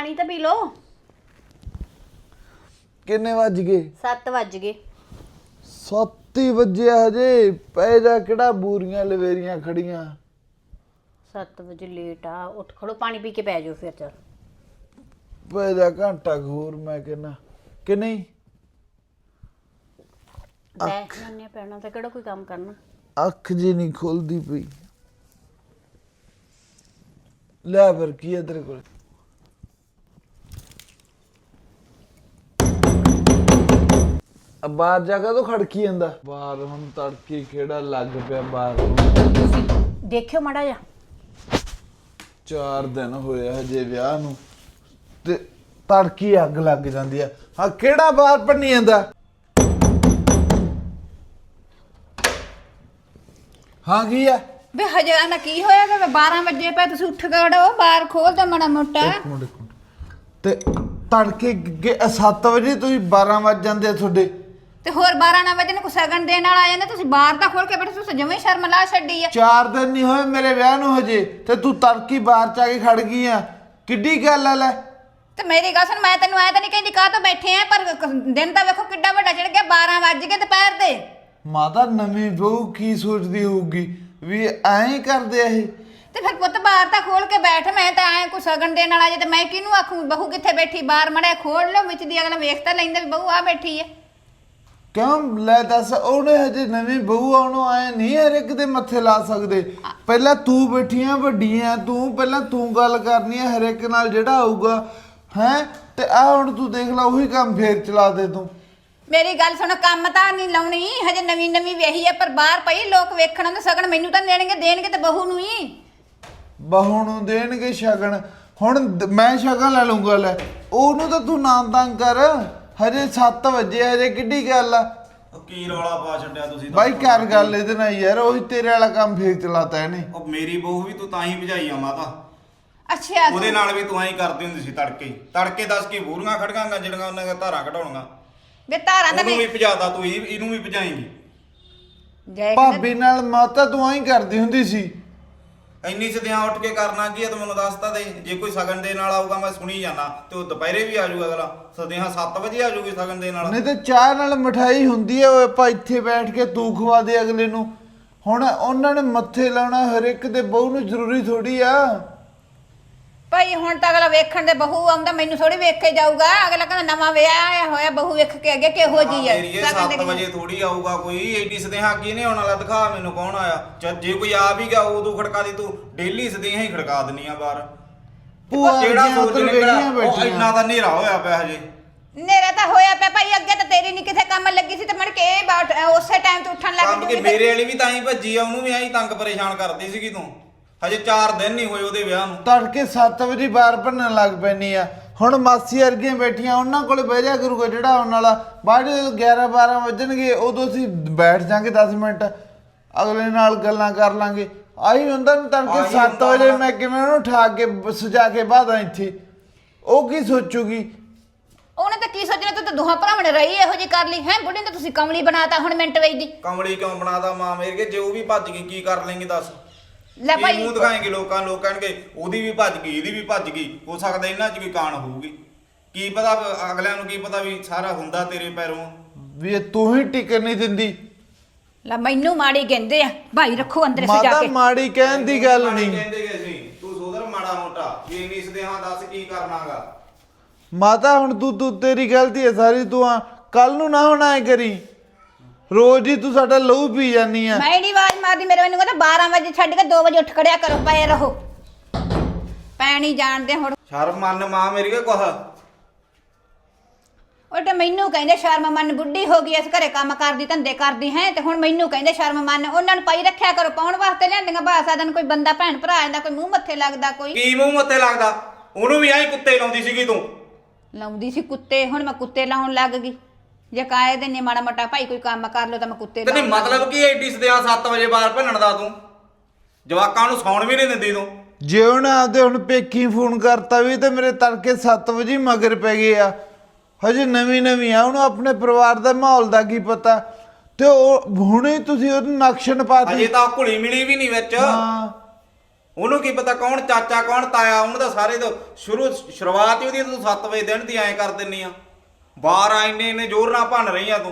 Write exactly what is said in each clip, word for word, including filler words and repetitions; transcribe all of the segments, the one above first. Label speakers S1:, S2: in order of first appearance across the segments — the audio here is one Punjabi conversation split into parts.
S1: पानी तो पी लो।
S2: किन्ने वज गए?
S1: सत्त वज गए।
S2: सत्त ही वजे हजे पै जा केड़ा बूरियां लवेरियां खड़ियां।
S1: सत्त बजे लेट आ उठ खड़ो पानी पी के पै जाओ फिर चल
S2: पै जा घंटा घूर मैं कहना कि नहीं
S1: बैठ जाने पैना तो केड़ा कोई काम करना।
S2: अख जी नहीं खोलदी पई ले फिर की है तेरे कोल अब बाहर जाकर तो खड़की जांदा बाहर हुण तड़की खेड़ा लग पिया बाहर
S1: देखियो माड़ा जा
S2: चार दिन होए हजे विआह नूं ते तड़की अग लग जांदी है हां केड़ा बाहर भन्नी जांदा हाँ की है
S3: वे हजे आना की होया कि बारह बजे पे तुसी उठ गड़ो बाहर खोल दे माड़ा मोटा
S2: एक मिनट एक मिनट ते तड़के सत्त वजे तुसीं बारह वज जांदे तुहाडे
S3: ते होर बारह ना बजे ने को सगन देण वाला आ जांदा तुसी बाहर दा खोल के बैठे तुसी जमे शर्म ला छड्डी आ
S2: चार दिन नहीं होए मेरे विआह नूं हजे ते तू तड़की बाहर चा के खड़ गई आ किड्डी गल है ले
S3: ते मेरी गल सुन मैं तैनू आया तां नहीं कहंदी काह तो बैठे आ पर दिन तां वेखो किड्डा वड्डा चढ़ गया बारह वज गए दोपहर दे
S2: माता नवीं बहू की सोचदी होਊਗੀ भी ऐं करदे ਇਹ
S3: ते फिर पुत्त बाहर तां खोल के बैठ मैं तां आए को सगन देण वाला जे ते मैं किनू आखूं बहू किथे बैठी बाहर मड़े खोल लो विच दी अगला वेख तां लैंदा भी बहू आ बैठी है
S2: क्यों ले दस ਉਹਨੇ ਹਜੇ ਨਵੀਂ ਬਹੂ ਆਉਣੋਂ ਆਏ ਨਹੀਂ ਹਰ ਇੱਕ ਦੇ ਮੱਥੇ ਲਾ ਸਕਦੇ ਪਹਿਲਾਂ ਤੂੰ ਬੈਠੀਆਂ ਵੱਡੀਆਂ ਤੂੰ ਪਹਿਲਾਂ ਤੂੰ ਗੱਲ ਕਰਨੀ ਹੈ ਹਰ ਇੱਕ ਨਾਲ ਜਿਹੜਾ ਆਊਗਾ ਹੈ ਤੇ ਆ ਹੁਣ ਤੂੰ ਦੇਖ ਲੈ ਉਹੀ ਕੰਮ ਫੇਰ ਚਲਾ ਦੇ ਤੂੰ
S3: मेरी गल सुन काम तां नहीं लाउणी हजे नवीं नवीं वेही है पर बाहर पई लोग वेखण आंदे सगन मैनू तां देणगे देणगे ते बहू नूं ही
S2: ਬਹੂ ਨੂੰ ਦੇਣਗੇ ਸ਼ਗਨ ਹੁਣ ਮੈਂ ਸ਼ਗਨ ਲੈ ਲੂੰਗਾ ਲੈ ਉਹਨੂੰ ਤਾਂ ਤੂੰ ਨਾ ਤੰਗ ਕਰ ਹਜੇ ਸੱਤ ਵਜੇ ਹਜੇ ਕਿੱਡੀ ਗੱਲ ਆ
S4: ਕੀ ਰੌਲਾ ਪਾ ਛੱਡਿਆ ਤੁਸੀਂ
S2: ਬਾਈ ਕਰ ਗੱਲ ਇਹਦੇ ਨਾਲ ਯਾਰ ਉਹੀ ਤੇਰੇ ਵਾਲਾ ਕੰਮ ਫੇਰ ਚਲਾਤਾ ਇਹਨੇ
S4: ਉਹ ਮੇਰੀ ਬਹੂ ਵੀ ਤੂੰ ਤਾਂ ਹੀ ਭਜਾਈ ਆ ਮਾਤਾ
S3: अच्छा
S4: ਉਹਦੇ ਨਾਲ ਵੀ ਤੂੰ ਐਂ ਕਰਦੀ ਹੁੰਦੀ ਸੀ ਤੜਕੇ ਤੜਕੇ ਦੱਸ ਕੀ ਬੂਰੀਆਂ ਖੜਗਾਂਗਾ ਜਿਹੜੀਆਂ ਉਹਨਾਂ ਦੀਆਂ ਧਾਰਾਂ ਕਢਾਉਣੀਆਂ
S3: ਵੇ ਤਾਰਾਂ ਦਾ
S4: ਉਹਨੂੰ ਵੀ ਭਜਾਦਾ ਤੂੰ ਇਹ- ਇਹਨੂੰ ਵੀ ਭਜਾਏਂਗੀ
S3: ਜੈ
S2: ਭਾਬੀ ਨਾਲ ਮਾਤਾ ਤੂੰ ਐਂ ਕਰਦੀ ਹੁੰਦੀ ਸੀ
S4: ਇੰਨੀ ਸਦਿਆਂ ਉੱਠ ਕੇ ਕਰਨਾ ਕੀ ਆ ਤੂੰ ਮੈਨੂੰ ਦੱਸ ਤਾਂ ਦੇ ਜੇ ਕੋਈ ਸਗਨ ਦੇ ਨਾਲ ਆਊਗਾ ਮੈਂ ਸੁਣੀ ਜਾਣਾ ਤੇ ਉਹ ਦੁਪਹਿਰੇ ਵੀ ਆ ਜਾਊਗਾ ਅਗਲਾ ਸਦਿਆਂ ਸੱਤ ਵਜੇ ਆ ਜਾਊਗੀ ਸਗਨ ਦੇ ਨਾਲ
S2: ਨਹੀਂ ਤੇ ਚਾਹ ਨਾਲ ਮਠਾਈ ਹੁੰਦੀ ਹੈ ਉਹ ਆਪਾਂ ਇੱਥੇ ਬੈਠ ਕੇ ਤੂੰ ਖਵਾ ਦੇ ਅਗਲੇ ਨੂੰ ਹੁਣ ਉਹਨਾਂ ਨੇ ਮੱਥੇ ਲਾਉਣਾ ਹਰ ਇੱਕ ਦੇ ਬਹੂ ਨੂੰ ਜ਼ਰੂਰੀ ਥੋੜੀ ਆ
S3: ਭਾਈ ਹੁਣ ਤਾਂ ਅਗਲਾ ਵੇਖਣ ਦੇ ਬਹੂ ਆਉਂਦਾ ਮੈਨੂੰ ਥੋੜੀ ਵੇਖ ਕੇ ਜਾਊਗਾ ਅਗਲਾ ਕਹਿੰਦਾ ਨਵਾਂ ਵਿਆਹ ਆਇਆ ਹੋਇਆ ਬਹੂ ਵੇਖ ਕੇ ਅੱਗੇ ਕਿਹੋ ਜੀ ਆ
S4: ਮੇਰੀ ਇਹ ਸੱਤ ਵਜੇ ਥੋੜੀ ਆਊਗਾ ਕੋਈ ਐਡੀ ਸਦਿਆਂ ਕੀ ਨੇ ਆਉਣ ਵਾਲਾ ਦਿਖਾ ਮੈਨੂੰ ਕੌਣ ਆਇਆ ਚੱਲ ਜੇ ਕੋਈ ਆ ਵੀ ਗਿਆ ਉਦੋਂ ਖੜਕਾ ਦੀ ਤੂੰ ਡੇਲੀ ਸਦਿਆਂ ਹੀ ਖੜਕਾ ਦਿੰਨੀ ਆ ਬਾਹਰ
S2: ਭੂਆ
S4: ਜਿਹੜਾ
S2: ਦੀਆਂ
S4: ਸੋਚ
S2: ਉੱਧਰ
S4: ਨਿਕਲਿਆ
S2: ਵਿਹਲੀਆਂ
S4: ਉਹ
S2: ਬੈਠੀਆਂ।
S4: ਇੰਨਾ ਤਾਂ ਹਨੇਰਾ ਹੋਇਆ ਪਿਆ ਹਜੇ
S3: ਨੇਰਾ ਤਾਂ ਹੋਇਆ ਪਿਆ ਭਾਈ ਅੱਗੇ ਤਾਂ ਤੇਰੀ ਨਹੀਂ ਕਿਥੇ ਕੰਮ ਲੱਗੀ ਸੀ ਤੇ ਮੜ ਕੇ ਇਹ ਬਾਟ ਉਸੇ ਟਾਈਮ ਤੋਂ ਉੱਠਣ ਲੱਗ
S4: ਕੰਮ ਕਿ
S3: ਜੂਗੀ
S4: ਮੇਰੇ ਵਾਲੀ ਵੀ ਤਾਂ ਹੀ ਭੱਜੀ ਆ ਉਹਨੂੰ ਵੀ ਐਂ ਤੰਗ ਪਰੇਸ਼ਾਨ ਕਰਦੀ ਸੀਗੀ ਤੂੰ ਹਜੇ ਚਾਰ ਦਿਨ ਨਹੀਂ ਹੋਏ ਉਹਦੇ ਵਿਆਹ ਨੂੰ
S2: ਤੜਕੇ ਸੱਤ ਵਜੇ ਬਾਹਰ ਭੰਨਣ ਲੱਗ ਪੈਣੀ ਆ ਹੁਣ ਮਾਸੀ ਵਰਗੀਆਂ ਬੈਠੀਆਂ ਉਹਨਾਂ ਕੋਲੇ ਬਹਿ ਜਾ ਕਰੂਗਾ ਜਿਹੜਾ ਆਉਣ ਵਾਲਾ ਬਾਅਦ ਜਦੋਂ ਗਿਆਰਾਂ ਬਾਰਾਂ ਵੱਜਣਗੇ ਉਦੋਂ ਅਸੀਂ ਬੈਠ ਜਾਾਂਗੇ ਦਸ ਮਿੰਟ ਅਗਲੇ ਨਾਲ ਗੱਲਾਂ ਕਰ ਲਾਂਗੇ ਆਹੀ ਹੁੰਦਾ ਨਾ ਤੜਕੇ
S4: ਆਹੀ
S2: ਸੱਤ
S4: ਹੁੰਦਾ
S2: ਵਜੇ
S4: ਨਾ।
S2: ਮੈਂ ਕਿਵੇਂ ਉਹਨੂੰ ਠਾ ਕੇ ਸਜਾ ਕੇ ਬਾਦਾਂ ਇੱਥੇ ਉਹ ਕੀ ਸੋਚੂਗੀ
S3: ਉਹਨੇ ਤਾਂ ਕੀ ਸੋਚਣਾ ਤੂੰ ਤਾਂ ਦੋਹਾਂ ਭਰਾਵਾਂ ਨੇ ਰਹੀ ਇਹੋ ਜੀ ਕਰ ਲਈ ਹੈ ਬੁੱਢੀ ਨੇ ਤੁਸੀਂ ਕਮਲੀ ਬਣਾਤਾ ਹੁਣ ਮਿੰਟ ਵੇਚ ਦੀ
S4: ਕਮਲੀ ਕਿਉਂ ਬਣਾਦਾ ਮਾਂ ਮੇਰੇ ਕੇ ਜੇ ਉਹ ਵੀ ਭੱਜ ਗਈ ਕੀ ਕਰ ਲੈਂਗੇ ਦੱਸ
S3: ਲੈ
S4: ਕੀ
S3: ਭਾਈ
S4: ਮੂੰਹ ਦਿਖਾਏਂਗੇ ਲੋਕਾਂ ਲੋਕ ਕਹਿਣਗੇ ਉਹਦੀ ਵੀ ਭੱਜ ਗਈ ਇਹਦੀ ਵੀ ਭੱਜ ਗਈ ਹੋ ਸਕਦਾ ਇਹਨਾਂ 'ਚ ਵੀ ਕਾਣ ਹੋਊਗੀ ਕੀ ਪਤਾ ਅਗਲਿਆਂ ਨੂੰ ਕੀ ਪਤਾ ਵੀ ਸਾਰਾ ਹੁੰਦਾ ਤੇਰੇ ਪੈਰੋਂ
S2: ਵੀ ਇਹ ਤੂੰ ਹੀ ਟਿਕਣ ਨਹੀਂ ਦਿੰਦੀ
S3: ਲੈ ਮੈਨੂੰ ਮਾੜੀ ਕਹਿੰਦੇ ਆ ਭਾਈ ਰੱਖੋ ਅੰਦਰ ਸਜਾ
S2: ਮਾਤਾ
S3: ਕੇ
S2: ਮਾੜੀ ਕਹਿਣ ਦੀ ਗੱਲ ਨਹੀਂ
S4: ਕਹਿੰਦੇ ਗਏ ਸੀ ਤੂੰ ਸੋਦਰ ਮਾੜਾ ਮੋਟਾ ਵੀ ਇੰਨੀ ਸਦਿਆਂ ਦੱਸ ਕੀ ਕਰਨਾਗਾ
S2: ਮਾਤਾ ਹੁਣ ਤੂੰ ਤੂੰ ਤੇਰੀ ਗਲਤੀ ਹੈ ਸਾਰੀ ਤੂੰ ਆ ਕੱਲ ਨੂੰ ਨਾ ਹੁਣ ਐ ਕਰੀ ਰੋਜ਼ ਹੀ ਤੂੰ ਸਾਡਾ ਲਹੂ ਪੀ ਜਾਨੀ ਆ
S3: ਮੈਂ ਨਹੀਂ ਆਵਾਜ਼ ਮਾਰਦੀ ਮੇਰੇ ਮੈਨੂੰ ਕਹਿੰਦਾ ਬਾਰਾਂ ਵਜੇ ਛੱਡ ਕੇ ਦੋ ਵਜੇ ਉੱਠ ਖੜਿਆ ਕਰੋ ਪਏ ਰਹੋ ਪੈਣੀ ਜਾਣਦੇ ਹੁਣ
S4: ਸ਼ਰਮ ਮੰਨ ਮਾਂ ਮੇਰੀ ਕੇ ਕੁਛ
S3: ਉਹ ਤੇ ਮੈਨੂੰ ਕਹਿੰਦੇ ਸ਼ਰਮ ਮੰਨ ਬੁੱਢੀ ਹੋ ਗਈ ਇਸ ਘਰੇ ਕੰਮ ਕਰਦੀ ਧੰਦੇ ਕਰਦੀ ਹੈ ਤੇ ਹੁਣ ਮੈਨੂੰ ਕਹਿੰਦੇ ਸ਼ਰਮ ਮੰਨ ਉਹਨਾਂ ਨੂੰ ਪਾਈ ਰੱਖਿਆ ਕਰੋ ਪਾਉਣ ਵਾਸਤੇ ਲਿਆਂਦੀਆਂ ਬਾਸਾ ਦਿਨ ਕੋਈ ਬੰਦਾ ਭੈਣ ਭਰਾ ਜਾਂਦਾ ਕੋਈ ਮੂੰਹ ਮੱਥੇ ਲੱਗਦਾ ਕੋਈ
S4: ਕੀ ਮੂੰਹ ਮੱਥੇ ਲੱਗਦਾ ਉਹਨੂੰ ਵੀ ਐਂ ਕੁੱਤੇ ਲਾਉਂਦੀ ਸੀਗੀ ਤੂੰ
S3: ਲਾਉਂਦੀ ਸੀ ਕੁੱਤੇ ਹੁਣ ਮੈਂ ਕੁੱਤੇ ਲਾਉਣ ਲੱਗ ਗਈ ਜੇ ਕਾਏ ਦੇ ਨੇ ਮਾੜਾ ਮੋਟਾ ਭਾਈ ਕੋਈ ਕੰਮ ਕਰ ਲੋ ਤਾਂ ਮੈਂ ਕੁੱਤੇ
S4: ਤੇ
S3: ਲਾਉਣ ਲੱਗ
S4: ਮਤਲਬ ਕੀ ਐਡੀ ਸਦਿਆਂ ਸੱਤ ਵਜੇ ਬਾਹਰ ਭੰਨਣ ਦਾ ਤੂੰ ਜਵਾਕਾਂ ਨੂੰ ਸੌਣ ਵੀ ਨਹੀਂ ਦਿੰਦੀ ਤੂੰ
S2: ਜੇ ਉਹਨੇ ਆਪਦੇ ਹੁਣ ਪੇਕੀ ਫੋਨ ਕਰਤਾ ਵੀ ਤੇ ਮੇਰੇ ਤੜਕੇ ਸੱਤ ਵਜੇ ਮਗਰ ਪੈ ਗਏ ਆ ਹਜੇ ਨਵੀਂ ਨਵੀਂ ਆ ਉਹਨੂੰ ਆਪਣੇ ਪਰਿਵਾਰ ਦਾ ਮਾਹੌਲ ਦਾ ਕੀ ਪਤਾ ਤੇ ਉਹ ਹੁਣੇ ਤੁਸੀਂ ਉਹਨੂੰ ਨਕਸ਼ਨ ਪਾਤੀ
S4: ਅਜੇ ਤਾਂ ਘੁਲੀ ਮਿਲੀ ਵੀ ਨਹੀਂ ਵਿੱਚ
S2: ਹਾਂ
S4: ਉਹਨੂੰ ਕੀ ਪਤਾ ਕੌਣ ਚਾਚਾ ਕੌਣ ਤਾਇਆ, ਉਹਨੂੰ ਤਾਂ ਸਾਰੇ ਤੋਂ ਸ਼ੁਰੂ ਸ਼ੁਰੂਆਤ ਹੀ ਉਹਦੀ ਤੂੰ ਸੱਤ ਵਜੇ ਦਿਨ ਦੀ ਐਂ ਕਰ ਦਿੰਨੀ ਆ। ਬਾਹਰ ਆ ਇੰਨੇ ਇੰਨੇ ਜ਼ੋਰ ਨਾਲ ਭੰਨ ਰਹੀ ਆ ਤੂੰ।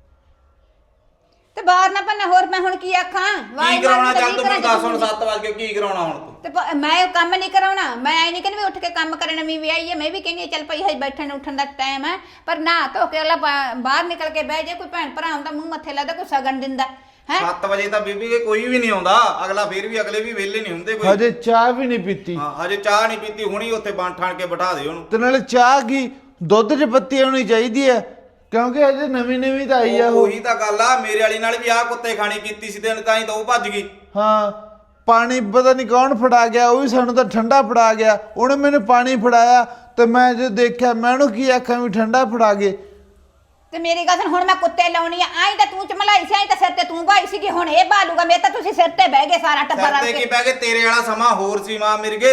S3: ਤੇ ਬਾਹਰ ਨਾ ਪੰਨਾ ਹੋਰ ਮੈਂ ਹੁਣ ਕੀ ਆਖਾਂ? ਵਾਹ
S4: ਕੀ ਕਰਾਉਣਾ ਚੱਲ ਤੂੰ ਮੈਨੂੰ ਦੱਸ ਹੁਣ ਸੱਤ ਵਜੇ ਕੀ ਕਰਾਉਣਾ ਹੁਣ ਤੂੰ?
S3: ਤੇ ਪ- ਮੈਂ ਉਹ ਕੰਮ ਨਹੀਂ ਕਰਾਉਣਾ। ਮੈਂ ਐ ਨਹੀਂ ਕਹਿੰਦੀ ਵੀ ਉੱਠ ਕੇ ਕੰਮ ਕਰਨ ਨਵੀਂ ਵਿਆਹੀ ਹੈ। ਮੈਂ ਵੀ ਕਹਿੰਦੀ ਹਾਂ ਚੱਲ ਭਾਈ ਹਜੇ ਬੈਠਣ ਉੱਠਣ ਦਾ ਟਾਈਮ ਹੈ, ਪਰ ਨਾ ਧੋ ਕੇ ਅਗਲਾ ਬਾ- ਬਾਹਰ ਨਿਕਲ ਕੇ ਬਹਿ ਜੇ। ਕੋਈ ਭੈਣ ਭਰਾ ਹੁੰਦਾ ਮੂੰਹ ਮੱਥੇ ਲੱਗਦਾ, ਕੋਈ ਸਗਨ ਦਿੰਦਾ ਹੈ।
S4: ਸੱਤ ਵਜੇ ਤਾਂ ਬੀਬੀ ਕੇ ਕੋਈ ਵੀ ਨਹੀਂ ਆਉਂਦਾ ਅਗਲਾ, ਫੇਰ ਵੀ ਅਗਲੇ ਵੀ ਵਿਹਲੇ ਨਹੀਂ ਹੁੰਦੇ ਕੋਈ।
S2: ਹਜੇ ਚਾਹ ਵੀ ਨਹੀਂ ਪੀਤੀ।
S4: ਹਾਂ ਹਜੇ ਚਾਹ ਨਹੀਂ ਪੀਤੀ, ਹੁਣੀ ਉੱਥੇ ਬਣ ਠਾਣ ਕੇ ਬਿਠਾ ਦੇ ਉਹਨੂੰ।
S2: ਤੇ ਨਾਲੇ ਚਾਹ ਕੀ ਦੁੱਧ 'ਚ ਪੱਤੀ ਹੋਣੀ ਚਾਹੀਦੀ ਹੈ, ਕਿਉਂਕਿ ਹਜੇ ਨਵੀਂ ਨਵੀਂ ਤਾਂ ਆਈ ਆ ਉਹ।
S4: ਉਹੀ ਤਾਂ ਗੱਲ ਆ, ਮੇਰੇ ਵਾਲੀ ਨਾਲ ਵੀ ਆਹ ਕੁੱਤੇ ਖਾਣੀ ਕੀਤੀ ਸੀ ਤੇ ਤਾਂ ਹੀ ਤਾਂ ਉਹ ਭੱਜ ਗਈ।
S2: ਹਾਂ ਪਾਣੀ ਪਤਾ ਨਹੀਂ ਕੌਣ ਫੜਾ ਗਿਆ, ਉਹ ਵੀ ਸਾਨੂੰ ਤਾਂ ਠੰਡਾ ਫੜਾ ਗਿਆ। ਉਹਨੇ ਮੈਨੂੰ ਪਾਣੀ ਫੜਾਇਆ ਤੇ ਮੈਂ ਜੋ ਦੇਖਿਆ ਮੈਂ ਉਹਨੂੰ ਕੀ ਆਖਾਂ ਵੀ ਠੰਡਾ ਫੜਾ ਗਏ।
S3: ਤੇ ਮੇਰੀ ਗੱਲ ਸੁਣ, ਹੁਣ ਮੈਂ ਕੁੱਤੇ ਲਾਉਣੀ ਆ। ਆਈ ਤਾਂ ਤੂੰ ਚਮਲਾਈ ਸੀ, ਆਈ ਤਾਂ ਸਿਰ ਤੇ ਤੂੰ ਭਾਈ ਸੀਗੀ, ਹੁਣ ਇਹ ਬਾਲੂਗਾ। ਮੇਰੇ ਤਾਂ ਤੁਸੀਂ ਸਿਰ ਤੇ ਬਹਿ ਗਏ ਸਾਰਾ ਟੱਬਰ
S4: ਸਿਰ
S3: ਰਲ
S4: ਤੇ ਕੀ
S3: ਕੇ।
S4: ਪੈ ਗਏ, ਤੇਰੇ ਵਾਲਾ ਸਮਾਂ ਹੋਰ ਸੀ ਮਾਂ ਮਿਰਗੇ।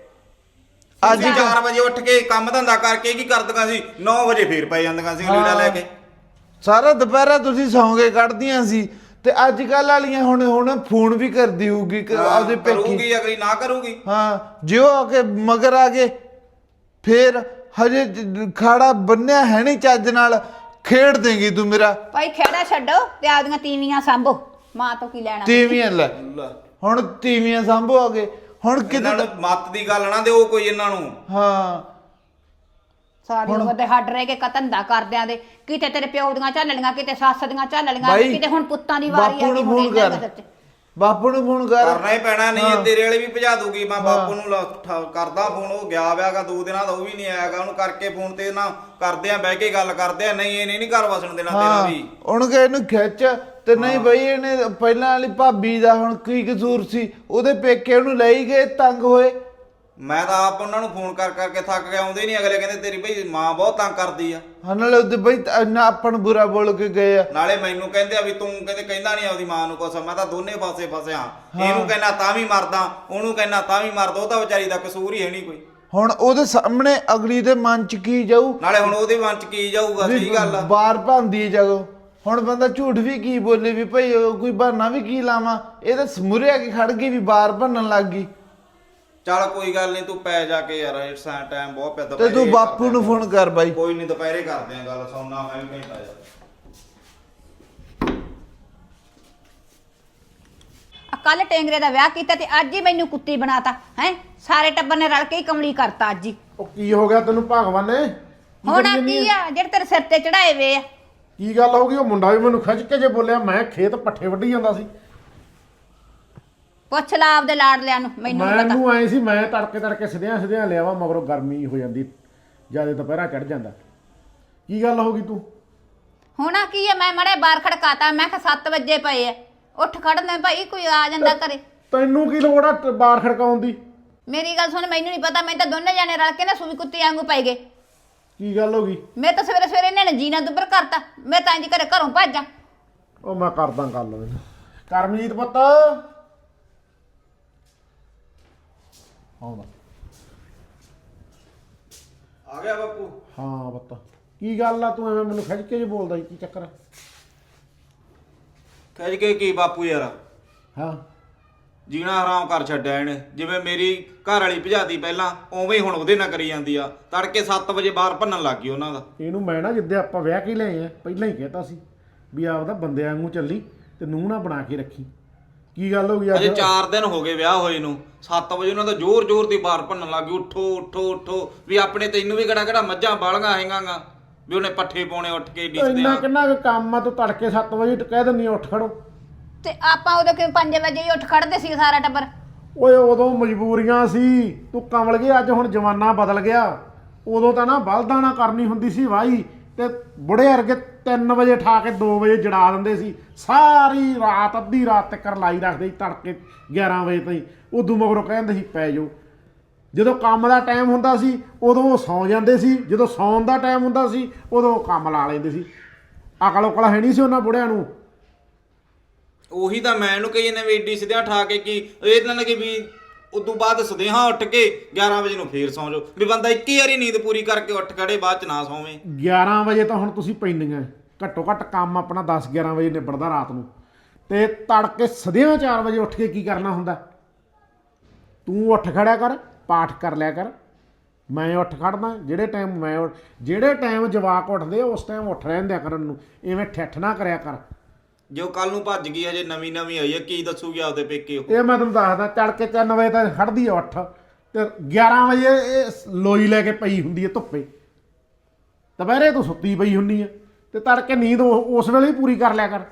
S4: ਅੱਜ
S2: ਅੱਜ
S4: ਚਾਰ ਵਜੇ ਉੱਠ ਕੇ ਕੰਮ ਧੰਦਾ ਕਰਕੇ ਕੀ ਕਰਦੀਆਂ ਸੀ, ਨੌ ਵਜੇ ਫੇਰ ਪੈ ਜਾਂਦੀਆਂ ਸੀ ਲੀੜਾ ਲੈ ਕੇ।
S2: ਸਾਰਾ ਦੁਪਹਿਰਾ ਤੁਸੀਂ ਸੌਂਗੇ ਕੱਢਦੀਆਂ ਸੀ, ਤੇ ਅੱਜ ਕੱਲ ਵਾਲੀਆਂ ਹੁਣ ਹੁਣ ਫੋਨ ਵੀ ਕਰਦੀ ਹੋਊਗੀ ਕਿ ਆਪਦੇ ਪੇਕੀ।
S4: ਕਰੂਗੀ ਅਗਲੀ ਨਾ ਕਰੂਗੀ।
S2: ਹਾਂ ਜਿਉ ਆ ਕੇ ਮਗਰ ਆ ਗਏ, ਫੇਰ ਹਜੇ ਜ- ਖਾੜਾ ਬੰਨਿਆ ਹੈ ਨਹੀਂ ਚੱਜ ਨਾਲ, ਖੇਡ ਦੇਂਗੀ ਤੂੰ ਮੇਰਾ।
S3: ਭਾਈ ਖੇੜਾ ਛੱਡੋ ਤੇ ਆਪਦੀਆਂ ਤੀਵੀਆਂ ਸਾਂਭੋ। ਮਾਂ ਤੋਂ ਕੀ ਲੈਣਾ?
S2: ਤੀਵੀਆਂ ਲੈ ਹੁਣ ਤੀਵੀਆਂ ਸਾਂਭੋ ਆ ਗਏ ਹੁਣ
S4: ਇਹਨਾਂ
S2: ਕਿਤੇ।
S4: ਨੂੰ ਮੱਤ ਦੀ ਗੱਲ ਨਾ ਦਿਓ ਕੋਈ ਇਹਨਾਂ ਨੂੰ।
S2: ਹਾਂ
S3: ਸਾਰੀ ਉਮਰ ਦੇ ਹੱਡ ਰਹਿ ਕੇ ਕਤੰਦਾ ਕਰਦਿਆਂ ਦੇ, ਕਿਤੇ ਤੇਰੇ ਪਿਓ ਦੀਆਂ ਝੱਲਣੀਆਂ, ਕਿਤੇ ਸੱਸ ਦੀਆਂ ਝੱਲਣੀਆਂ,
S2: ਬਾਈ,
S3: ਕਿਤੇ ਹੁਣ ਪੁੱਤਾਂ ਦੀ ਵਾਰੀ
S2: ਬਾਪੂ
S3: ਆ
S2: ਨੂੰ
S3: ਗਈ। ਹੁਣ
S2: ਫੋਨ
S3: ਇਹਨਾਂ
S2: ਕਰ,
S3: ਦਾ ਸੱਚ।
S2: ਬਾਪੂ ਨੂੰ ਫੋਨ ਕਰ।
S4: ਕਰਨਾ ਹੀ ਪੈਣਾ, ਨਹੀਂ
S2: ਹਾਂ।
S4: ਇਹ ਤੇਰੇ ਵਾਲੇ ਵੀ ਭਜਾ ਦੂਗੀ। ਮੈਂ ਬਾਪੂ ਨੂੰ ਲ- ਠ- ਕਰਦਾ ਫੋਨ, ਉਹ ਗਿਆ ਵਿਆਗਾ ਦੋ ਦਿਨਾਂ ਦਾ, ਉਹ ਵੀ ਨਹੀਂ ਆਇਆਗਾ। ਉਹਨੂੰ ਕਰਕੇ ਫੋਨ ਤੇ ਨਾ ਕਰਦੇ ਆ, ਬਹਿ ਕੇ ਗੱਲ ਕਰਦੇ ਆ। ਨਹੀਂ ਇਹ ਨਹੀਂ ਘਰ ਵਸਣ ਦੇਣਾ ਤੇਰਾ
S2: ਹਾਂ
S4: ਵੀ।
S2: ਉਹਨੂੰ ਕਹੇ ਇਹਨੂੰ ਖਿੱਚ ਤੇ ਨਹੀਂ ਬਈ ਇਹਨੇ ਪਹਿਲਾਂ ਵਾਲੀ ਭਾਬੀ ਦਾ ਹੁਣ ਕੀ ਕਸੂਰ ਸੀ, ਉਹਦੇ ਪੇਕੇ ਉਹਨੂੰ ਲਈ ਗਏ ਤੰਗ ਹੋਏ।
S4: ਮੈਂ ਤਾਂ ਆਪ ਉਹਨਾਂ ਨੂੰ ਫੋਨ ਕਰ ਕਰਕੇ ਥੱਕ ਗਿਆ, ਆਉਂਦੇ ਨਹੀਂ। ਅਗਲੇ ਕਹਿੰਦੇ ਤੇਰੀ ਭਈ ਮਾਂ ਬਹੁਤ ਤੰਗ ਕਰਦੀ ਆ।
S2: ਹਾਂ ਨਾਲੇ ਉਹਦੇ ਬਈ ਇੰਨਾ ਆਪਾਂ ਨੂੰ ਬੁਰਾ ਬੋਲ ਕੇ ਗਏ ਆ।
S4: ਨਾਲੇ ਮੈਨੂੰ ਕਹਿੰਦੇ ਆ ਵੀ ਤੂੰ ਕਹਿੰਦੇ ਕਹਿੰਦਾ ਨਹੀਂ ਆਪਦੀ ਮਾਂ ਨੂੰ ਕੁਛ। ਮੈਂ ਤਾਂ ਦੋਨੇ ਪਾਸੇ ਫਸਿਆ, ਇਹਨੂੰ ਕਹਿੰਦਾ ਤਾਂ ਵੀ ਮਰਦਾ, ਉਹਨੂੰ ਕਹਿੰਦਾ ਤਾਂ ਵੀ ਮਰਦਾ। ਉਹ ਤਾਂ ਵਿਚਾਰੀ ਦਾ ਕਸੂਰ ਹੀ ਹੈ ਨਹੀਂ ਕੋਈ।
S2: ਹੁਣ ਉਹਦੇ ਸਾਹਮਣੇ ਅਗਲੀ ਦੇ ਮਨ ਚ ਕੀ ਜਾਊ,
S4: ਨਾਲੇ ਹੁਣ ਉਹਦੇ ਮਨ ਚ ਕੀ ਜਾਊਗਾ? ਸਹੀ ਗੱਲ ਆ।
S2: ਬਾਰ ਭਾਂਦੀ ਹੈ ਜਦੋਂ। ਹੁਣ ਬੰਦਾ ਝੂਠ ਵੀ ਕੀ ਬੋਲੇ ਵੀ ਭਈ ਉਹ ਕੋਈ ਬਹਾਨਾ ਵੀ ਕੀ ਲਾਵਾਂ। ਇਹ ਤਾਂ ਸਮੁਰਿਆ ਕੇ ਖੜ ਗਈ ਵੀ ਬਾਰ ਭੰਨਣ ਲੱਗ ਗਈ।
S4: ਚੱਲ ਕੋਈ ਗੱਲ ਨਹੀਂ, ਤੂੰ ਪੈ ਜਾ ਕੇ ਯਾਰ, ਇਸ ਟਾਈਮ ਬਹੁਤ ਪਿਆ।
S2: ਤੇ
S4: ਦੁਪਹਿਰੇ
S2: ਤੂੰ ਬਾਪੂ
S4: ਕਰਦੇ
S2: ਨੂੰ
S4: ਆ।
S2: ਫੋਨ ਕਰ ਬਾਈ।
S4: ਕੋਈ ਨਹੀਂ ਦੁਪਹਿਰੇ ਕਰਦੇ ਆ ਗੱਲ, ਸੌਣਾ ਮੈਂ ਵੀ ਘੰਟਾ ਜਾ।
S3: ਕੱਲ ਟੇਂਗਰੇ ਦਾ ਵਿਆਹ ਕੀਤਾ ਤੇ ਅੱਜ ਹੀ ਮੈਨੂੰ ਕੁੱਤੀ ਬਣਾਤਾ ਹੈ। ਸਾਰੇ ਟੱਬਰ ਨੇ ਰਲ ਕੇ ਹੀ ਕਮਲੀ ਕਰਤਾ ਅੱਜ ਹੀ।
S5: ਉਹ ਕੀ ਹੋ ਗਿਆ ਤੈਨੂੰ ਭਗਵਾਨ ਨੇ? ਕੀ
S3: ਹੁਣ
S5: ਕਰੀ
S3: ਆ
S5: ਜਾਂਦੀ
S3: ਕੀ
S5: ਆ?
S3: ਆ ਜਿਹੜੇ ਤੇਰੇ ਸਿਰ ਤੇ ਚੜਾਏ ਵੇ ਆ?
S5: ਕੀ ਗੱਲ ਹੋ ਗਈ? ਉਹ ਮੁੰਡਾ ਵੀ ਮੈਨੂੰ ਖਿੱਚ ਕੇ ਜੇ ਬੋਲਿਆ, ਮੈਂ ਖੇਤ ਪੱਠੇ ਵੱਢੀ ਜਾਂਦਾ ਸੀ।
S3: ਪੁੱਛ ਲਾ ਆਪਦੇ ਲਾਡਲਿਆਂ ਨੂੰ, ਮੈਨੂੰ ਨੀ ਪਤਾ।
S5: ਮੈਨੂੰ ਐ ਸੀ ਮੈਂ ਤੜਕੇ ਤੜਕੇ ਸਿਧਿਆਂ ਸਿਧਿਆਂ ਲਿਆਵਾ, ਮਗਰੋਂ ਗਰਮੀ ਹੋ ਜਾਂਦੀ, ਜਿਆਦਾ ਦੁਪਹਿਰਾ ਚੜ ਜਾਂਦਾ। ਕੀ ਗੱਲ ਹੋ ਗਈ ਤੂੰ?
S3: ਹੁਣ ਆ ਕੀ ਆ? ਮੈਂ ਮੜੇ ਬਾਹਰ ਖੜਕਾਤਾ, ਮੈਂ ਕਿਹਾ ਸੱਤ ਵਜੇ ਪਏ ਆ, ਉੱਠ ਖੜਨਾ ਭਾਈ, ਕੋਈ ਆ ਜਾਂਦਾ ਘਰੇ।
S5: ਤੈਨੂੰ ਕੀ ਲੋੜ ਆ ਟ- ਬਾਹਰ ਖੜਕਾਉਣ ਦੀ?
S3: ਮੇਰੀ ਗੱਲ ਸੁਣ, ਮੈਨੂੰ ਨਹੀਂ ਪਤਾ। ਮੈਂ ਤਾਂ ਦੋਨੇ ਜਾਣੇ ਰਲ ਕੇ ਨਾ ਸੂਈ ਕੁੱਤੀ ਵਾਂਗੂ ਪੈ ਗਏ।
S5: ਕੀ ਗੱਲ ਹੋ ਗਈ?
S3: ਮੈਂ ਤਾਂ ਸਵੇਰੇ ਸਵੇਰੇ ਇਹਨਾਂ ਨੇ ਜੀਣਾ ਦੁੱਬਰ ਕਰਤਾ। ਮੈਂ ਤਾਂ ਇੰਜ ਘਰੇ ਘਰੋਂ ਭੱਜਾਂ।
S5: ਉਹ ਮੈਂ ਕਰਦਾ ਗੱਲ ਇਹਨੂੰ। ਕਰਮਜੀਤ ਪੁੱਤ ਆਉਂਦਾ।
S4: ਆ ਗਿਆ ਬਾਪੂ।
S5: ਹਾਂ ਪੁੱਤ ਕੀ ਗੱਲ ਆ? ਤੂੰ ਐਵੇਂ ਮੈਨੂੰ ਖਿੱਚ ਕੇ ਜੇ ਬੋਲਦਾ ਸੀ, ਕੀ ਚੱਕਰ ਆ?
S4: ਕਹਿ ਕੇ ਕੀ ਬਾਪੂ ਯਾਰ,
S5: ਹਾਂ
S4: ਜੀਣਾ ਹਰਾਮ ਕਰ ਛੱਡਿਆ ਇਹਨੇ। ਜਿਵੇਂ ਮੇਰੀ ਘਰ ਵਾਲੀ ਭਜਾਦੀ ਪਹਿਲਾਂ, ਉਵੇਂ ਹੀ ਹੁਣ ਉਹਦੇ ਨਾਲ ਕਰੀ ਜਾਂਦੀ ਆ। ਤੜਕੇ ਸੱਤ ਵਜੇ ਬਾਹਰ ਭੰਨਣ ਲੱਗ ਗਈ ਉਹਨਾਂ ਦਾ।
S5: ਇਹਨੂੰ ਮੈਂ ਨਾ ਜਿੱਦੇ ਆਪਾਂ ਵਿਆਹ ਕੇ ਲਏ ਆ, ਪਹਿਲਾਂ ਹੀ ਕਹਿਤਾ ਸੀ ਵੀ ਆਪਦਾ ਬੰਦਿਆਂ ਵਾਂਗੂ ਚੱਲੀ ਤੇ ਨੂੰਹ ਨਾ ਬਣਾ ਕੇ ਰੱਖੀ। ਕੀ ਗੱਲ ਹੋ ਗਈ
S4: ਅਜੇ
S5: ਅੱਜ?
S4: ਚਾਰ ਦਿਨ ਹੋ ਗਏ ਵਿਆਹ ਹੋਏ ਨੂੰ, ਸੱਤ ਵਜੇ ਉਹਨਾਂ ਦਾ ਜ਼ੋਰ ਜ਼ੋਰ ਦੀ ਬਾਹਰ ਭੰਨਣ ਲੱਗ ਗਈ। ਉੱਠੋ ਉੱਠੋ ਉੱਠੋ, ਵੀ ਆਪਣੇ ਤੈਨੂੰ ਵੀ ਕਿਹੜਾ ਕਿਹੜਾ ਮੱਝਾਂ ਬਾਲੀਆਂ ਹੈਗਾਂਗਾ ਵੀ ਉਹਨੇ ਪੱਠੇ ਪਾਉਣੇ ਉੱਠ ਕੇ ਡਿੱਸਦੇ
S5: ਇੰਨਾ
S4: ਆ।
S5: ਕਿੰਨਾ ਕੁ ਕੰਮ ਆ? ਤੂੰ ਤੜਕੇ ਸੱਤ ਵਜੇ ਕਹਿ ਦਿੰਦੀ ਆ ਉੱਠ ਖੜੋ।
S3: ਤੇ ਆਪਾਂ ਉਦੋਂ ਕਿ ਪੰਜ ਵਜੇ ਹੀ ਉੱਠ ਖੜਦੇ ਸੀ ਸਾਰਾ ਟੱਬਰ।
S5: ਓਏ ਉਦੋਂ ਮਜਬੂਰੀਆਂ ਸੀ, ਤੂੰ ਕਮਲ ਗਿਆ। ਅੱਜ ਹੁਣ ਜ਼ਮਾਨਾ ਬਦਲ ਗਿਆ। ਉਦੋਂ ਤਾਂ ਨਾ ਬਲਦਾਂ ਨਾਲ ਕਰਨੀ ਹੁੰਦੀ ਸੀ ਵਾਹੀ, ਤੇ ਬੁੜੇ ਵਰਗੇ ਤਿੰਨ ਵਜੇ ਠਾ ਕੇ ਦੋ ਵਜੇ ਜੜਾ ਦਿੰਦੇ ਸੀ। ਸਾਰੀ ਰਾਤ ਅੱਧੀ ਰਾਤ ਤੱਕ ਲਾਈ ਰੱਖਦੇ ਸੀ, ਤੜਕੇ ਗਿਆਰਾਂ ਵਜੇ ਤਾਈਂ। ਉਦੋਂ ਮਗਰੋਂ ਕਹਿੰਦੇ ਸੀ ਪੈ ਜਾਓ। ਜਦੋਂ ਕੰਮ ਦਾ ਟਾਈਮ ਹੁੰਦਾ ਸੀ ਉਦੋਂ ਉਹ ਸੌਂ ਜਾਂਦੇ ਸੀ, ਜਦੋਂ ਸੌਣ ਦਾ ਟਾਈਮ ਹੁੰਦਾ ਸੀ ਉਦੋਂ ਉਹ ਕੰਮ ਲਾ ਲੈਂਦੇ ਸੀ। ਅਕਲ ਉਕਲ ਹੈ ਨਹੀਂ ਸੀ ਉਹਨਾਂ ਬੁੜਿਆਂ ਨੂੰ।
S4: ਉਹੀ ਤਾਂ ਮੈਂ ਇਹਨੂੰ ਕਹੀ ਜਾਂਦਾ ਵੀ ਏਡੀ ਸਿੱਧਿਆਂ ਠਾ ਕੇ ਕੀ ਇਹਨਾਂ ਨੇ ਕਿ ਵੀ ਉਦੋਂ ਬਾਅਦ ਸਦੇਹਾ ਉੱਠ ਕੇ ਗਿਆਰਾਂ ਵਜੇ ਨੂੰ ਫੇਰ ਸੌਂ ਜਾਓ, ਵੀ ਬੰਦਾ ਇੱਕੀ ਵਾਰੀ ਨੀਂਦ ਪੂਰੀ ਕਰਕੇ ਉੱਠ ਖੜੇ ਬਾਅਦ ਚ ਨਾ ਸੌਵੇਂ।
S5: ਗਿਆਰਾਂ ਵਜੇ ਤਾਂ ਹੁਣ ਤੁਸੀਂ ਪੈਂਦੀਆਂ, ਘੱਟੋ ਘੱਟ ਕੰਮ ਆਪਣਾ ਦਸ ਗਿਆਰਾਂ ਵਜੇ ਨਿਬੜਦਾ ਰਾਤ ਨੂੰ, ਤੇ ਤੜਕੇ ਸਦਿਆਂ ਚਾਰ ਵਜੇ ਉੱਠ ਕੇ ਕੀ ਕਰਨਾ ਹੁੰਦਾ? ਤੂੰ ਉੱਠ ਖੜਿਆ ਕਰ, ਪਾਠ ਕਰ ਲਿਆ ਕਰ। ਮੈਂ ਉੱਠ ਖੜਦਾ ਜਿਹੜੇ ਟਾਈਮ ਮੈਂ ਉੱਠ- ਜਿਹੜੇ ਟਾਈਮ ਜਵਾਕ ਉੱਠਦੇ ਆ ਉਸ ਟਾਈਮ ਉੱਠ ਰਹਿੰਦਿਆ ਕਰਨ ਨੂੰ, ਐਵੇਂ ਠੱਠ ਨਾ ਕਰਿਆ ਕਰ।
S4: ਜੋ ਕੱਲ ਨੂੰ ਭੱਜ ਗਈ ਅਜੇ ਨਵੀਂ ਨਵੀਂ ਆਈ ਹੈ, ਕੀ ਦੱਸੂਗੀ ਆਪਦੇ ਪੇਕੇ ਉਹ?
S5: ਇਹ ਮੈਂ ਤੁਹਾਨੂੰ ਦੱਸਦਾ, ਤੜਕੇ ਤਿੰਨ ਵਜੇ ਤੱਕ ਖੜਦੀ ਆ ਉੱਠ, ਤੇ ਗਿਆਰਾਂ ਵਜੇ ਇਹ ਲੋਈ ਲੈ ਕੇ ਪਈ ਹੁੰਦੀ ਹੈ ਧੁੱਪੇ, ਦੁਪਹਿਰੇ ਤੂੰ ਸੁੱਤੀ ਪਈ ਹੁੰਨੀ ਆ, ਤੇ ਤੜਕੇ ਨੀਂਦ ਉਹ- ਉਸ ਵੇਲੇ ਹੀ ਪੂਰੀ ਕਰ ਲਿਆ ਕਰ।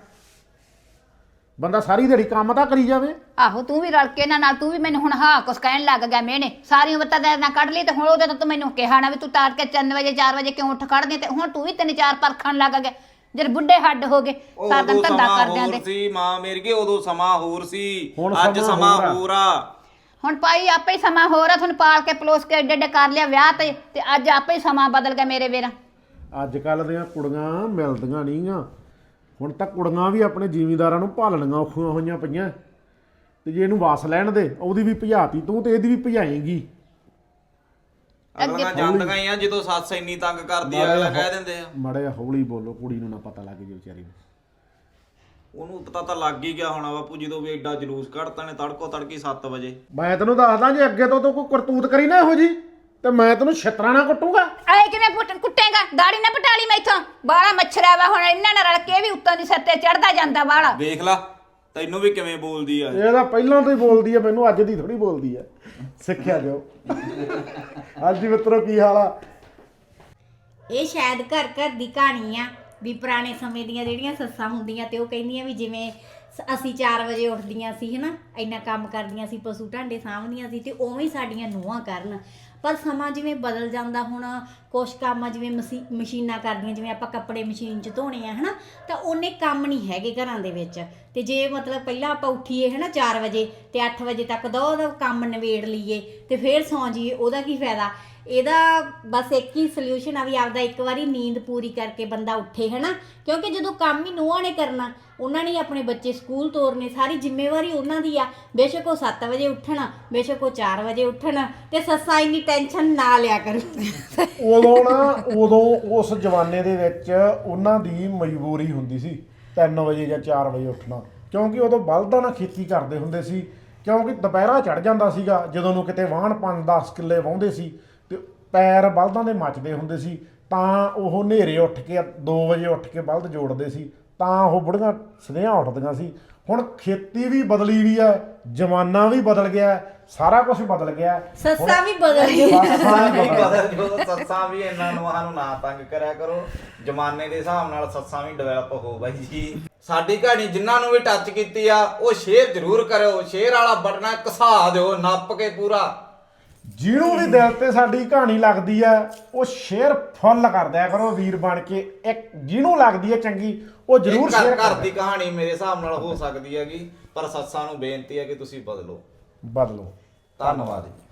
S5: ਬੰਦਾ ਸਾਰੀ ਦਿਹਾੜੀ ਕੰਮ ਤਾਂ ਕਰੀ ਜਾਵੇ।
S3: ਆਹੋ ਤੂੰ ਵੀ ਰਲ ਕੇ ਇਹਨਾਂ ਨਾਲ ਤੂੰ ਵੀ ਮੈਨੂੰ ਹੁਣ ਹਾਂ ਕੁਛ ਕਹਿਣ ਲੱਗ ਗਿਆ ਮਿਹਣੇ, ਸਾਰੀ ਉਮਰ ਤਾਂ ਨਾ ਕੱਢ ਲਈ, ਤੇ ਹੁਣ ਉਹਦੇ ਤੋਂ ਤੂੰ ਮੈਨੂੰ ਕਿਹਾ ਨਾ ਵੀ ਤੂੰ ਤਾਰ ਕੇ ਤਿੰਨ ਵਜੇ ਚਾਰ ਵਜੇ ਕਿਉਂ ਉੱਠ ਖੜਦੀ, ਤੇ ਹੁਣ ਤੂੰ ਵੀ ਤਿੰਨ ਚਾਰ ਪਰਖਣ ਲੱਗ ਗਿਆ। ਜਦ ਬੁੱਢੇ ਹੱਡ ਹੋ ਗਏ ਸਾਰਾ ਦਿਨ
S4: ਉਦੋਂ
S3: ਧੰਦਾ
S4: ਸਮਾਂ
S3: ਕਰਦਿਆਂ
S4: ਹੋਰ
S3: ਦੇ।
S4: ਸੀ ਮਾਂ ਮੇਰੀ ਕੀ, ਉਦੋਂ ਸਮਾਂ ਹੋਰ ਸੀ,
S5: ਹੁਣ
S4: ਅੱਜ
S5: ਸਮਾਂ
S4: ਸਮਾਂ
S5: ਹੋਰ ਆ।
S4: ਹੋਰ ਆ।
S3: ਹੁਣ ਭਾਈ ਆਪੇ ਹੀ ਸਮਾਂ ਹੋਰ ਆ, ਤੁਹਾਨੂੰ ਪਾਲ ਕੇ ਪਲੋਸ ਕੇ ਏਡੇ ਏਡੇ ਕਰ ਲਿਆ ਵਿਆਹ ਤੇ ਤੇ ਅੱਜ ਆਪੇ ਹੀ ਸਮਾਂ ਬਦਲ ਗਿਆ ਮੇਰੇ ਵੀਰਾ।
S5: ਅੱਜ ਕੱਲ੍ਹ ਦੀਆਂ ਕੁੜੀਆਂ ਮਿਲਦੀਆਂ ਨਹੀਂ ਆਂ। ਹੁਣ ਤਾਂ ਕੁੜੀਆਂ ਵੀ ਆਪਣੇ ਜ਼ਿਮੀਂਦਾਰਾਂ ਨੂੰ ਭਾਲਣੀਆਂ ਔਖੀਆਂ ਹੋਈਆਂ ਪਈਆਂ, ਤੇ ਜੇ ਇਹਨੂੰ ਵਸ ਲੈਣ ਦੇ ਉਹਦੀ ਵੀ ਭਜਾਤੀ ਤੂੰ ਤੇ ਇਹਦੀ ਵੀ ਭਜਾਏਂਗੀ।
S4: ਅਗਲੀਆਂ ਜਾਂਦੀਆਂ ਹੀ ਆ, ਜਦੋਂ ਸੱਸ ਇੰਨੀ ਤੰਗ ਕਰਦੀ ਆ ਅਗਲਾ ਕਹਿ ਦਿੰਦੇ ਆ।
S5: ਮਾੜਾ ਜਿਹਾ ਹੌਲੀ ਬੋਲੋ, ਕੁੜੀ ਨੂੰ ਨਾ ਪਤਾ ਲੱਗ ਜੇ ਵਿਚਾਰੀ ਨੂੰ।
S4: ਉਹਨੂੰ ਪਤਾ ਤਾਂ ਲੱਗ ਹੀ ਗਿਆ ਹੋਣਾ ਬਾਪੂ, ਜਦੋਂ ਵੀ ਐਡਾ ਜਲੂਸ ਕੱਢਤਾ ਨੇ ਤੜਕੋ ਤੜਕੀ ਸੱਤ ਵਜੇ।
S5: ਮੈਂ ਤੈਨੂੰ ਦੱਸਦਾ, ਜੇ ਅੱਗੇ ਤੋਂ ਤੂੰ ਕੋਈ ਕਰਤੂਤ ਕਰੀ ਨਾ ਇਹੋ ਜੀ, ਤੇ ਮੈਂ ਤੈਨੂੰ ਛਿੱਤਰਾਂ ਨਾਲ ਕੁੱਟੂਗਾ।
S3: ਆਏ ਕਿਵੇਂ ਪੁੱਟ ਕੁੱਟੇਗਾ, ਦਾੜੀ ਨਾ ਪਟਾਲੀ ਮੈਥੋਂ, ਬਾਲਾ ਮੱਛਰਾ ਵਾ ਹੁਣ ਇਹਨਾਂ ਨਾਲ ਰਲ ਕੇ ਵੀ ਉੱਤੋਂ ਦੀ ਸਿਰ ਤੇ ਚੜਦਾ ਜਾਂਦਾ ਬਾਲਾ।
S4: ਵੇਖ ਲਾ ਤੈਨੂੰ ਵੀ ਕਿਵੇਂ ਬੋਲਦੀ ਆ।
S5: ਇਹ ਤਾਂ ਪਹਿਲਾਂ ਤੋਂ ਹੀ ਬੋਲਦੀ ਆ, ਮੈਨੂੰ ਅੱਜ ਦੀ ਥੋੜੀ ਬੋਲਦੀ ਆ, ਸਿੱਖਿਆ ਜਾਓ। ਹਾਂਜੀ ਮਿੱਤਰੋ, ਕੀ ਹਾਲ ਆ?
S1: ਇਹ ਸ਼ਾਇਦ ਘਰ ਘਰ ਦੀ ਕਹਾਣੀ ਆ ਵੀ ਪੁਰਾਣੇ ਸਮੇਂ ਦੀਆਂ ਜਿਹੜੀਆਂ ਸੱਸਾਂ ਹੁੰਦੀਆਂ ਤੇ ਉਹ ਕਹਿੰਦੀਆਂ ਵੀ ਜਿਵੇਂ ਸ- ਅਸੀਂ ਚਾਰ ਵਜੇ ਉੱਠਦੀਆਂ ਸੀ ਹਨਾ, ਇੰਨਾ ਕੰਮ ਕਰਦੀਆਂ ਸੀ, ਪਸ਼ੂ ਢਾਂਡੇ ਸਾਂਭਦੀਆਂ ਸੀ, ਤੇ ਉਵੇਂ ਹੀ ਸਾਡੀਆਂ ਨੂੰਹਾਂ ਕਰਨ। ਪਰ ਸਮਾਂ ਜਿਵੇਂ ਬਦਲ ਜਾਂਦਾ, ਹੁਣ ਕੁਛ ਕੰਮ ਆ ਜਿਵੇਂ ਮਸ਼ੀ ਮਸ਼ੀਨਾਂ ਕਰਦੀਆਂ, ਜਿਵੇਂ ਆਪਾਂ ਕੱਪੜੇ ਮਸ਼ੀਨ 'ਚ ਧੋਣੇ ਆ ਹਨਾ, ਤਾਂ ਉਹਨੇ ਕੰਮ ਨਹੀਂ ਹੈਗੇ ਘਰਾਂ ਦੇ ਵਿੱਚ। ਤੇ ਜੇ ਮਤਲਬ ਪਹਿਲਾਂ ਆਪਾਂ ਉੱਠੀਏ ਹਨਾ ਚਾਰ ਵਜੇ ਤੇ ਅੱਠ ਵਜੇ ਤੱਕ ਦੋ ਉਹਦਾ ਕੰਮ ਨਿਬੇੜ ਲਈਏ ਤੇ ਫਿਰ ਸੌਂ ਜਾਈਏ, ਉਹਦਾ ਕੀ ਫਾਇਦਾ? ਇਹਦਾ ਬਸ ਇੱਕ ਹੀ ਸੋਲਿਊਸ਼ਨ ਆ ਵੀ ਆਪਦਾ ਇੱਕ ਵਾਰੀ ਨੀਂਦ ਪੂਰੀ ਕਰਕੇ ਬੰਦਾ ਉੱਠੇ ਹਨਾ, ਕਿਉਂਕਿ ਜਦੋਂ ਕੰਮ ਹੀ ਨੂੰਹਾਂ ਨੇ ਕਰਨਾ, ਉਹਨਾਂ ਨੇ ਆਪਣੇ ਬੱਚੇ ਸਕੂਲ ਤੋਰਨੇ, ਸਾਰੀ ਜ਼ਿੰਮੇਵਾਰੀ ਉਹਨਾਂ ਦੀ ਆ। ਬੇਸ਼ੱਕ ਉਹ ਸੱਤ ਵਜੇ ਉੱਠਣ, ਬੇਸ਼ੱਕ ਉਹ ਚਾਰ ਵਜੇ ਉੱਠਣ, ਤੇ ਸੱਸਾਂ ਇੰਨੀ ਟੈਨਸ਼ਨ ਨਾ ਲਿਆ ਕਰੂ।
S5: ਉਦੋਂ ਨਾ ਉਦੋਂ ਉਸ ਜਮਾਨੇ ਦੇ ਵਿੱਚ ਉਹਨਾਂ ਦੀ ਮਜਬੂਰੀ ਹੁੰਦੀ ਸੀ ਤਿੰਨ ਵਜੇ ਜਾਂ ਚਾਰ ਵਜੇ ਉੱਠਣਾ, ਕਿਉਂਕਿ ਉਦੋਂ ਬਲਦਾਂ ਨਾਲ ਖੇਤੀ ਕਰਦੇ ਹੁੰਦੇ ਸੀ, ਕਿਉਂਕਿ ਦੁਪਹਿਰਾ ਚੜ ਜਾਂਦਾ ਸੀਗਾ, ਜਦੋਂ ਨੂੰ ਕਿਤੇ ਵਾਹਣ ਪੰਜ ਦਸ ਕਿੱਲੇ ਵਾਹੁੰਦੇ ਸੀ ਤੇ ਪੈਰ ਬਲਦਾਂ ਦੇ ਮੱਚਦੇ ਹੁੰਦੇ ਸੀ, ਤਾਂ ਉਹ ਹਨੇਰੇ ਉੱਠ ਕੇ ਦੋ ਵਜੇ ਉੱਠ ਕੇ ਬਲਦ ਜੋੜਦੇ ਸੀ, ਤਾਂ ਉਹ ਬੁੜੀਆਂ ਸਦਿਆਂ ਉੱਠਦੀਆਂ ਸੀ। ਹੁਣ ਖੇਤੀ ਵੀ ਬਦਲੀ ਵੀ ਆ, ਜ਼ਮਾਨਾ ਵੀ ਬਦਲ ਗਿਆ, ਸਾਰਾ ਕੁਝ ਬਦਲ ਗਿਆ।
S1: ਸੱਸਾਂ ਵੀ ਬਦਲ ਗਈਆਂ।
S5: ਸੱਸਾਂ ਵੀ
S4: ਵੀ
S5: ਬਦਲ
S4: ਬਦਲ ਜੋ ਸੱਸਾਂ ਵੀ ਇਹਨਾਂ ਨੂੰ ਸਾਨੂੰ ਨਾ ਤੰਗ ਕਰਿਆ ਕਰੋ, ਜ਼ਮਾਨੇ ਦੇ ਹਿਸਾਬ ਨਾਲ ਸੱਸਾਂ ਵੀ ਡਿਵੈਲਪ ਹੋ ਬਾਈ ਜੀ। ਸਾਡੀ ਕਹਾਣੀ ਜਿਨ੍ਹਾਂ ਨੂੰ ਵੀ ਟੱਚ ਕੀਤੀ ਆ ਉਹ ਸ਼ੇਅਰ ਜ਼ਰੂਰ ਕਰਿਓ, ਸ਼ੇਅਰ ਵਾਲਾ ਬਟਨਾ ਘਸਾ ਦਿਓ ਨੱਪ ਕੇ ਪੂਰਾ।
S5: ਜਿਹਨੂੰ ਵੀ ਦਿਲ ਤੇ ਸਾਡੀ ਕਹਾਣੀ ਲੱਗਦੀ ਆ ਉਹ ਸ਼ੇਅਰ ਫੁੱਲ ਕਰ ਦਿਆ ਕਰੋ ਵੀਰ ਬਣ ਕੇ। ਇੱਕ ਜਿਹਨੂੰ ਲੱਗਦੀ ਹੈ ਚੰਗੀ ਉਹ ਜ਼ਰੂਰ
S4: ਘਰ
S5: ਸ਼ੇਅਰ
S4: ਘਰ
S5: ਕਰ
S4: ਦੀ ਕਹਾਣੀ ਮੇਰੇ ਹਿਸਾਬ ਨਾਲ ਹੋ ਸਕਦੀ ਹੈਗੀ, ਪਰ ਸੱਸਾਂ ਨੂੰ ਬੇਨਤੀ ਹੈ ਕਿ ਤੁਸੀਂ ਬਦਲੋ।
S5: ਬਦਲੋ।
S4: ਧੰਨਵਾਦ ਜੀ।